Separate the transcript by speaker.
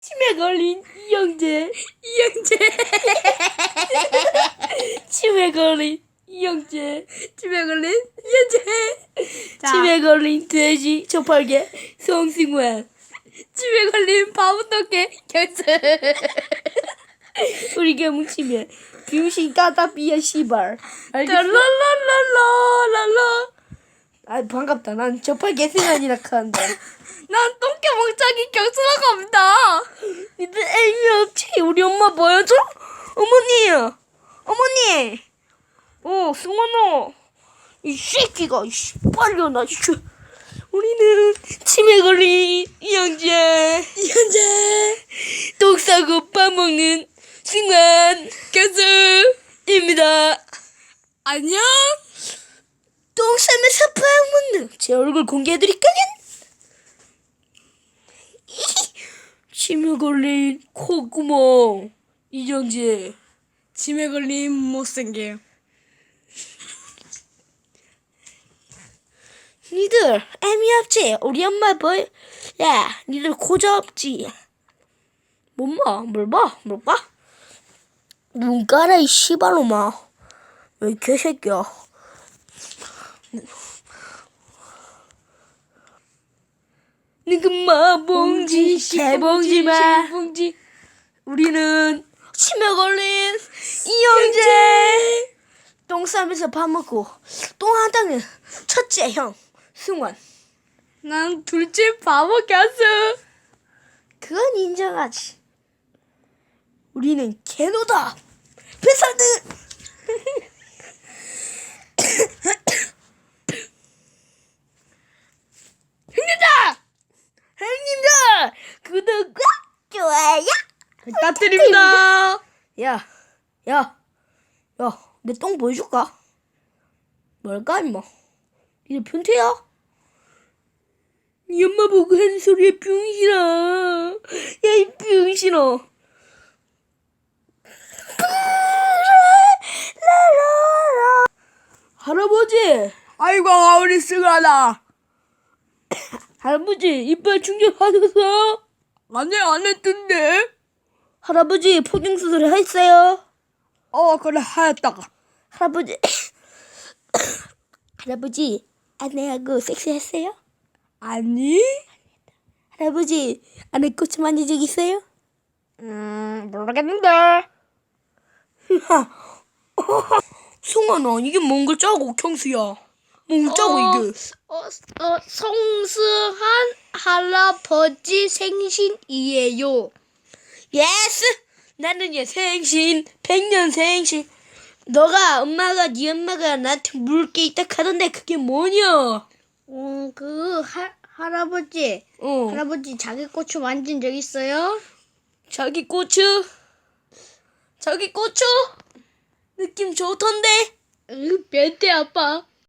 Speaker 1: 치매 걸린 이영재. 치매 걸린 이영재.
Speaker 2: 치매 걸린 이영재. 자,
Speaker 1: 치매 걸린 돼지 저팔계 송승환.
Speaker 2: 치매 걸린 바보토끼 결승.
Speaker 1: 우리 게 뭉치면 병신 따따비야 씨발. 알겠어?
Speaker 2: 랄랄랄랄랄라.
Speaker 1: 아 반갑다. 난 저팔계 승환이라 한다.
Speaker 2: 난 똥개 멍청이 결승하고 갑니다.
Speaker 1: 니들 애미 없지? 우리 엄마 보여줘? 어머니. 승환아. 이 새끼가 이씨 빨려나. 우리는 치매 걸린 이영재. 똥 싸고 밥 먹는 승환 결승입니다.
Speaker 2: 안녕.
Speaker 1: 똥 싸면서 밥 먹는 제 얼굴 공개해드릴까요? 치매 걸린 콧구멍 이정재.
Speaker 2: 치매 걸린 못생김.
Speaker 1: 니들 애미 없지? 우리 엄마 보여? 야 니들 고자 없지? 뭘 봐? 눈 깔아 이 씨발놈아. 왜 개새끼야. 니그마 봉지 개봉지마. 우리는 치매 걸린 이영재. 똥 싸면서 밥 먹고 똥 하다는 첫째 형 승환.
Speaker 2: 난 둘째 바보 결승.
Speaker 1: 그건 인정하지. 우리는 개노다. 배사들. 형님들 구독과 좋아요
Speaker 2: 부탁드립니다.
Speaker 1: 야, 내 똥 보여줄까? 뭘까 임마? 이제 변태야? 네 엄마 보고 하는 소리에 병신아. 야 이 병신아. 할아버지,
Speaker 2: 아이고 우리 승환아.
Speaker 1: 할아버지 이빨 충전 받았어?
Speaker 2: 아니 안 했던데.
Speaker 1: 할아버지 포경 수술 했어요?
Speaker 2: 그래 하였다가.
Speaker 1: 할아버지 할아버지 아내하고 섹스했어요?
Speaker 2: 아니?
Speaker 1: 할아버지 아내 꽃 만진 적 있어요?
Speaker 2: 모르겠는데.
Speaker 1: 승환아 이게 뭔가 짜고 경수야. 뭔가 짜고 이게.
Speaker 2: 성스한 할아버지 생신이에요.
Speaker 1: 예스. 나는 얘 생신 100년 생신. 엄마가 네 엄마가 나한테 물을 게 있다 하던데 그게 뭐냐?
Speaker 2: 할아버지. 할아버지 자기 고추 만진 적 있어요?
Speaker 1: 자기 고추 느낌 좋던데.
Speaker 2: 변태 아빠.